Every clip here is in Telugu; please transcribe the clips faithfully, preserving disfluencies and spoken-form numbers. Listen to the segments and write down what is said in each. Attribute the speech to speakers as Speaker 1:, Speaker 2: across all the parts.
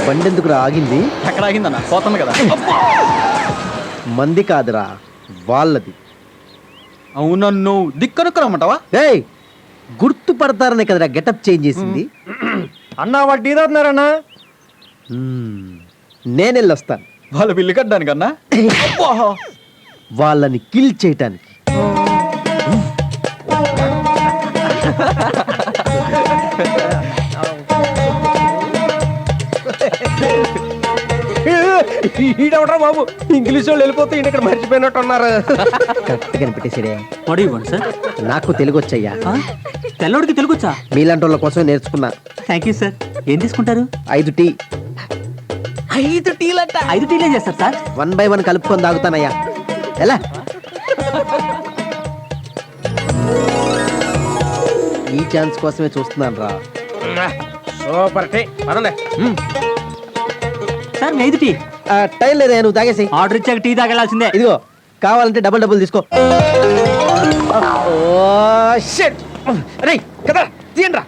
Speaker 1: బండి ఎందుకు ఆగింది?
Speaker 2: ఎక్కడ ఆగిందన్న? పోతుంది కదా.
Speaker 1: మంది కాదురా, వాళ్ళది.
Speaker 2: అవునా? నువ్వు దిక్కనుక్కరమ్మంటావా?
Speaker 1: ఏయ్, గుర్తుపడతారనే కదరా గెటప్ చేంజ్ చేసింది.
Speaker 3: అన్నా వాడు టీ తాగుతున్నారన్నా.
Speaker 1: నేను వెళ్ళొస్తాను
Speaker 2: వాళ్ళు బిల్లు కట్టడానికన్నా.
Speaker 1: వాళ్ళని కిల్ చేయటానికి.
Speaker 3: ఈడవరా బాబు, ఇంగ్లీష్ వాళ్ళు వెళ్ళిపోతే ఈయన ఇక్కడ మర్చిపోయినట్టు ఉన్నారు.
Speaker 1: కరెక్ట్ కనిపెట్టేసాడే.
Speaker 4: What you want sir?
Speaker 1: నాకు తెలుగు వచ్చయ్యా.
Speaker 4: తెల్లడికి తెలుగు వచ్చా?
Speaker 1: మీలాంటి వాళ్ళ కోసం నేర్చుకున్నా.
Speaker 4: Thank you sir. ఏం తీసుకుంటారు?
Speaker 1: ఐదు టీ.
Speaker 4: ఐదు టీలంట. ఐదు టీలు ఏం చేస్తారు సార్?
Speaker 1: వన్ బై వన్ కలుపుకొని తాగుతానయ్యా. ఎలా? ఈ ఛాన్స్ కోసమే చూస్తున్నాను రా.
Speaker 3: Super tea. పదండి.
Speaker 4: సార్ మీ ఐదు టీ.
Speaker 1: టైం లేదా, నువ్వు తాగేసి.
Speaker 4: ఆర్డర్ ఇచ్చాక టీ తాగెళ్ళాల్సిందే.
Speaker 1: ఇదిగో, కావాలంటే డబుల్ డబుల్ తీసుకో.
Speaker 3: కదా తీయండి రా.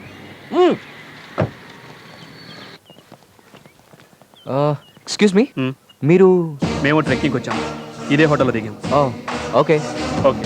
Speaker 5: ఎక్స్క్యూజ్ మీ, మీరు?
Speaker 2: మేము ట్రెక్కింగ్ వచ్చాము, ఇదే హోటల్లో దిగాం.
Speaker 5: Okay
Speaker 2: okay.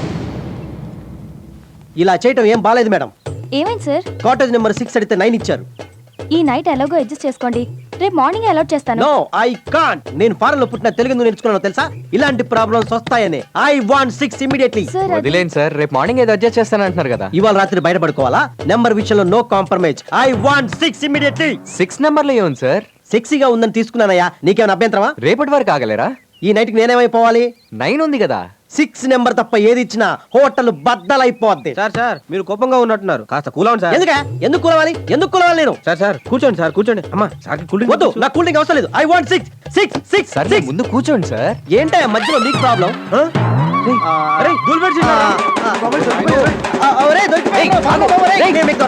Speaker 1: ఇలా చేయటం ఏం బాలేదు మేడం.
Speaker 6: ఏమైంది సార్?
Speaker 1: కాటేజ్ నెంబర్ సిక్స్ అడిగితే నైన్ ఇచ్చారు.
Speaker 6: ఈ నైట్ ఎలాగో అడ్జస్ట్ చేసుకోండి, రేపు మార్నింగ్ అలాట్ చేస్తాను.
Speaker 1: No, I can't. నేను ఫారెన్ లో పుట్టిన, తెలుగు ఎందుకు నేర్చుకున్నాను తెలుసా? ఇలాంటి ప్రాబ్లమ్స్ వస్తాయని. I want six immediately.
Speaker 6: Sir అది-
Speaker 5: వదిలేండి సార్, రేపు మార్నింగ్ ఏదో అడ్జస్ట్ చేస్తాను అంటున్నారు కదా.
Speaker 1: ఇవాళ రాత్రి బయటపడుకోవాలా? నెంబర్ విషయంలో no compromise. I want six immediately.
Speaker 5: Six నెంబర్లో ఏముంది సార్?
Speaker 1: సెక్సీగా ఉందని తీసుకున్నానయ్యా, నీకేమైనా అభ్యంతరమా?
Speaker 5: రేపటి వరకు ఆగలేరా?
Speaker 1: ఈ నైట్ కి నేనేమైపోవాలి?
Speaker 5: నైన్ ఉంది కదా.
Speaker 1: సిక్స్ నెంబర్ తప్ప ఏది ఇచ్చినా హోటల్ బద్దలైపోద్ది.
Speaker 3: సార్ సార్ మీరు కోపంగా ఉన్నట్టున్నారు, కాస్త కూల్ అవ్వండి సార్.
Speaker 1: ఎందుక ఎందుకు కూలవాలి? ఎందుకు కూలవాలి నేను?
Speaker 3: సార్ సార్ కూర్చోండి సార్, కూర్చోండి. అమ్మా సార్ కూల్
Speaker 1: వద్దు, నా కూల్ డ్రింక్ అవసరం లేదు. I want six six six
Speaker 5: sir
Speaker 1: six.
Speaker 5: ముందు కూర్చోండి సార్.
Speaker 1: ఏంటా మధ్యలో నీకు ప్రాబ్లం?
Speaker 3: అరే దూల్ పెట్టి